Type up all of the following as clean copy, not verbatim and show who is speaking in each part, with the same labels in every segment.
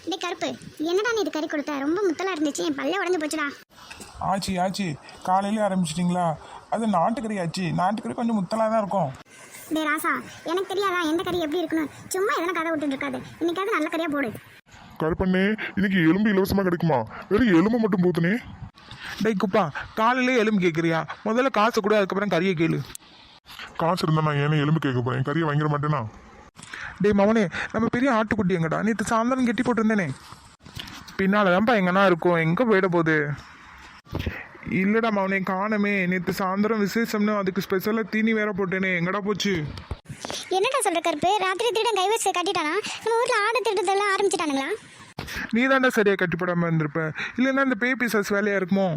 Speaker 1: டே கருப்பு, என்னடா நீ இது கறி கொடுத்த? ரொம்ப முத்தலா இருந்துச்சு, என் பல்லே உடஞ்சு போச்சுடா.
Speaker 2: ஆச்சி காலையிலே ஆரம்பிச்சிட்டிங்களா? அது நாட்டுக்கறி ஆச்சு. நாட்டுக்கறி கொஞ்சம் முத்தலாக தான் இருக்கும்.
Speaker 1: டே ராசா, எனக்கு தெரியாதா எந்த கறி எப்படி இருக்கணும்? சும்மா எதனா கதை விட்டுட்டு இருக்காது. இன்னைக்காவது நல்ல கறியா போடு.
Speaker 3: கருப்பண்ணே, இன்னைக்கு எலும்பு இலவசமா கிடைக்குமா? வெறும் எலும்பு மட்டும் போத்துனே.
Speaker 2: டேய் குப்பா, காலையிலே எலும்பு கேட்குறியா? முதல்ல காசு கூட, அதுக்கப்புறம் கறியை கேளு.
Speaker 3: காசு இருந்தா நான் ஏன்னா எலும்பு கேட்க போறேன், கறியை வாங்கிட மாட்டேனா?
Speaker 2: டேய் மவனே, நம்ம பெரிய ஆட்டுக்குட்டி எங்கடா? நேற்று சாயந்தரம் கெட்டி போட்டிருந்தேனே. பின்னால் தான்ப்பா எங்கன்னா இருக்கும், எங்கே போயிட போகுது? இல்லைடா மவனே, காணமே. நேற்று சாயந்தரம் விசேஷம்னு அதுக்கு ஸ்பெஷலாக தீனி வேற போட்டேனே, எங்கடா போச்சு?
Speaker 1: என்னடா சொல்ற கருப்பு? ராத்திரி திருடன் கைவரிசை கட்டிட்டானா? நம்ம ஊர்ல ஆடு திருடதெல்லாம் ஆரம்பிச்சிட்டானுங்களா?
Speaker 2: நீ தாண்டா சரியாக கட்டி போடாமல் இருந்திருப்ப. இல்லைன்னா இந்த பேய் பிசாஸ் வேலையாக இருக்குமோ?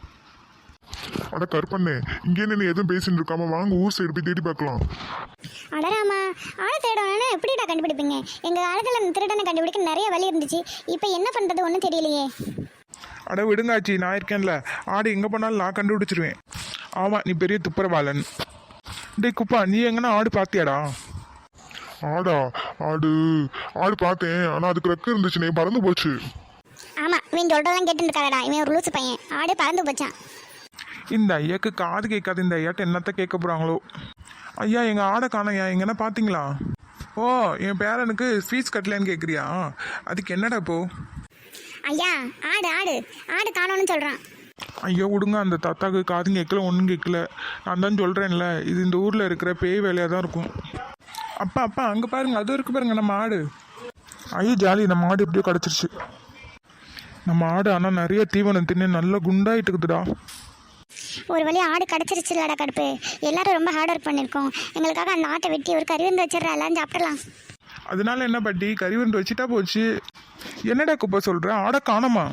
Speaker 3: அட கருப்பண்ணே, இங்கே நீ எதுவும் பேசிட்டு இருக்காம வாங்க ஊர் சைடு போய் தேடி பார்க்கலாம்.
Speaker 1: அடராமா, ஆளை தேடணும்னா எப்படிடா கண்டுபிடிப்பீங்க? எங்க காலத்துல திருடனை கண்டுபிடிக்க நிறைய வழி இருந்துச்சு. இப்போ என்ன பண்றது ஒன்றும் தெரியலையே.
Speaker 2: அட விடுங்காச்சி, நான் இருக்கேன்ல. ஆடு எங்கே போனாலும் நான் கண்டுபிடிச்சிருவேன். ஆமாம், நீ பெரிய துப்புரவாளன். டேய் குப்பா, நீ எங்கன்னா ஆடு பார்த்தியாடா?
Speaker 3: ஆடா? ஆடு ஆடு பார்த்தேன், ஆனா அதுக்கு ரெக்க இருந்துச்சுனே, பறந்து போச்சு.
Speaker 1: ஆமா, இவன் சொல்றதெல்லாம் கேட்டு இருக்காடா. இவன் ஒரு லூசு பையன். ஆடு பறந்து போச்சான்.
Speaker 2: இந்த ஐயாக்கு காது கேட்காது. இந்த ஐயாட்ட என்னத்த கேட்க போகிறாங்களோ? ஐயா, எங்கள் ஆடை காணையா? எங்கன்னா பார்த்தீங்களா? ஓ, என் பேரனுக்கு ஃபீஸ் கட்டலன்னு கேட்குறியா? அதுக்கு என்னடா இப்போ?
Speaker 1: ஐயா, ஆடு ஆடு ஆடு காணோன்னு சொல்றான்.
Speaker 2: ஐயோ விடுங்க, அந்த தாத்தாக்கு காதும் கேட்கல, ஒன்றும் கேட்கல. நான் தான் சொல்கிறேன்ல, இது இந்த ஊரில் இருக்கிற பேய் வேலையாக தான் இருக்கும். அப்பா அங்கே பாருங்க, அதுவும் இருக்கு பாருங்க நம்ம ஆடு. ஐயோ ஜாலி, நம்ம ஆடு எப்படியோ கிடச்சிருச்சு. நம்ம ஆடு ஆனால் நிறைய தீவனம் தின்னு நல்லா குண்டாயிட்டு இருக்குதுடா.
Speaker 1: ஒரு வழி ஆடு கிடச்சிருச்சுலடா கடுப்பு. எல்லாரும் ரொம்ப ஹார்ட் ஒர்க் பண்ணியிருக்கோம். எங்களுக்காக அந்த ஆட்டை வெட்டி ஒரு கறி வந்து வச்சிடறா, எல்லாரும் சாப்பிடலாம்.
Speaker 2: அதனால என்ன பாட்டி, கறி வந்து வச்சுட்டா போச்சு. என்னடா குப்பை சொல்கிற? ஆடை காணோமா?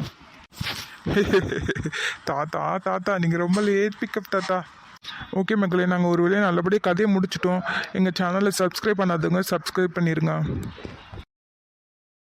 Speaker 2: தாத்தா நீங்கள் ரொம்ப லேட் பிக்கப் தாத்தா. ஓகே மக்களே, நாங்கள் ஒரு வழியாக நல்லபடியாக கதையை முடிச்சிட்டோம். எங்கள் சேனலை சப்ஸ்கிரைப் பண்ணாதவங்க சப்ஸ்கிரைப் பண்ணிடுங்க.